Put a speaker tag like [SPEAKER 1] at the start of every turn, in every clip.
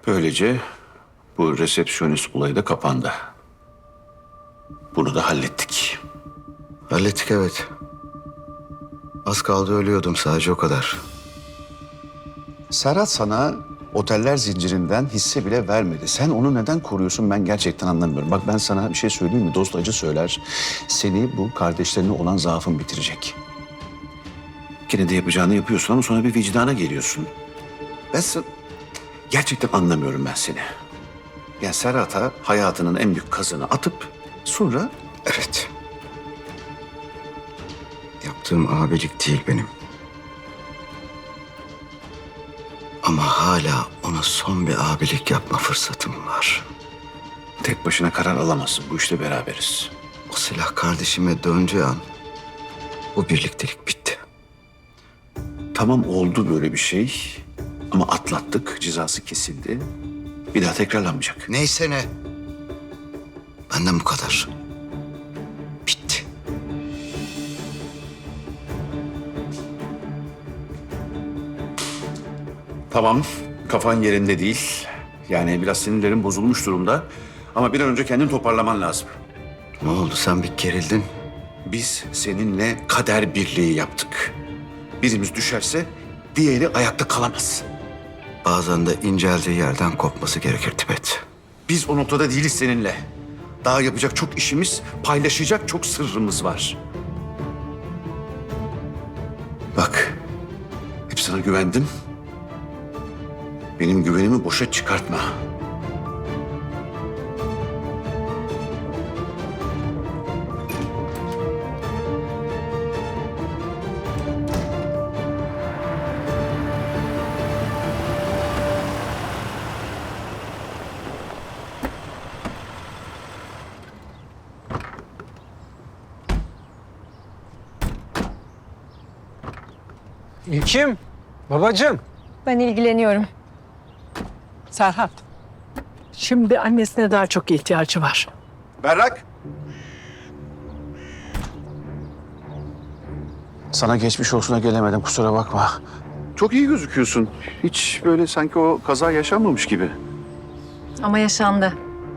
[SPEAKER 1] Böylece bu resepsiyonist olayı da kapandı. Bunu da hallettik.
[SPEAKER 2] Hallettik, evet. Az kaldı ölüyordum, sadece o kadar.
[SPEAKER 1] Serhat sana oteller zincirinden hisse bile vermedi. Sen onu neden koruyorsun ben gerçekten anlamıyorum. Bak ben sana bir şey söyleyeyim mi? Dost acı söyler. Seni bu kardeşlerine olan zaafın bitirecek. Gene de yapacağını yapıyorsun ama sonra bir vicdana geliyorsun. Gerçekten anlamıyorum ben seni. Ya Serhat'a hayatının en büyük kazını atıp sonra...
[SPEAKER 2] Evet. Yaptığım abilik değil benim. Ama hala ona son bir abilik yapma fırsatım var.
[SPEAKER 1] Tek başına karar alamazsın. Bu işte beraberiz.
[SPEAKER 2] O silah kardeşime döndüğü an bu birliktelik bitti.
[SPEAKER 1] Tamam oldu böyle bir şey ama atlattık. Cezası kesildi. Bir daha tekrarlanmayacak.
[SPEAKER 2] Neyse ne. Benden bu kadar. Bitti.
[SPEAKER 1] Tamam, kafan yerinde değil. Yani biraz sinirlerin bozulmuş durumda. Ama bir an önce kendini toparlaman lazım.
[SPEAKER 2] Ne oldu, sen bir gerildin?
[SPEAKER 1] Biz seninle kader birliği yaptık. Birimiz düşerse diğeri ayakta kalamaz.
[SPEAKER 2] Bazen de inceldiği yerden kopması gerekir Tibet.
[SPEAKER 1] Biz o noktada değiliz seninle. Daha yapacak çok işimiz, paylaşacak çok sırrımız var. Bak, hep sana güvendim. Benim güvenimi boşa çıkartma.
[SPEAKER 3] İlkim, babacığım.
[SPEAKER 4] Ben ilgileniyorum.
[SPEAKER 5] Serhat, şimdi annesine daha çok ihtiyacı var.
[SPEAKER 1] Berrak! Sana geçmiş olsuna gelemedim, kusura bakma. Çok iyi gözüküyorsun. Hiç böyle sanki o kaza yaşanmamış gibi.
[SPEAKER 4] Ama yaşandı.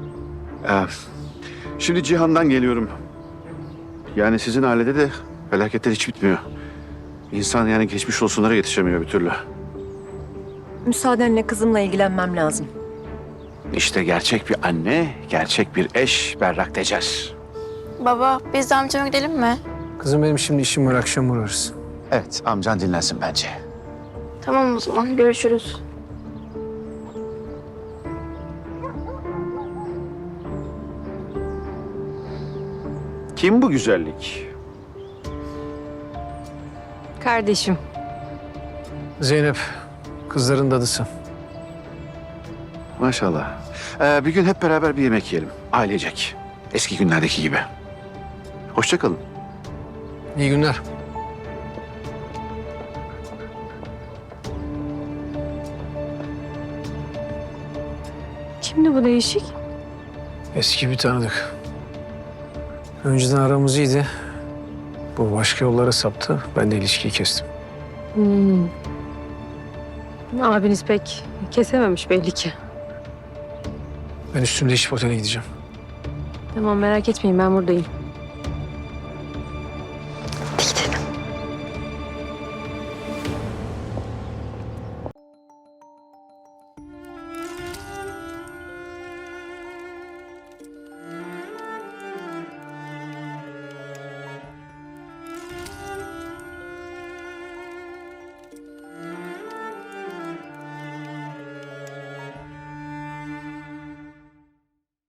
[SPEAKER 1] Şimdi Cihan'dan geliyorum. Yani sizin ailede de felaketler hiç bitmiyor. İnsan yani geçmiş olsunlara yetişemiyor bir türlü.
[SPEAKER 4] Müsaadenle kızımla ilgilenmem lazım.
[SPEAKER 1] İşte gerçek bir anne, gerçek bir eş Berrak Tecer.
[SPEAKER 6] Baba, biz de amcama gidelim mi?
[SPEAKER 3] Kızım benim şimdi işim var, akşam uğrarız.
[SPEAKER 1] Evet, amcan dinlensin bence.
[SPEAKER 6] Tamam o zaman, görüşürüz.
[SPEAKER 1] Kim bu güzellik?
[SPEAKER 4] Kardeşim.
[SPEAKER 3] Zeynep, kızların dadısı.
[SPEAKER 1] Maşallah. Bir gün hep beraber bir yemek yiyelim. Ailecek. Eski günlerdeki gibi. Hoşça kalın.
[SPEAKER 3] İyi günler.
[SPEAKER 4] Kimdi bu değişik?
[SPEAKER 3] Eski bir tanıdık. Önceden aramız iyiydi. Bu başka yollara saptı. Ben de ilişkiyi kestim.
[SPEAKER 4] Abiniz pek kesememiş belli ki.
[SPEAKER 3] Ben üstümde değişip otele gideceğim.
[SPEAKER 4] Tamam merak etmeyin ben buradayım.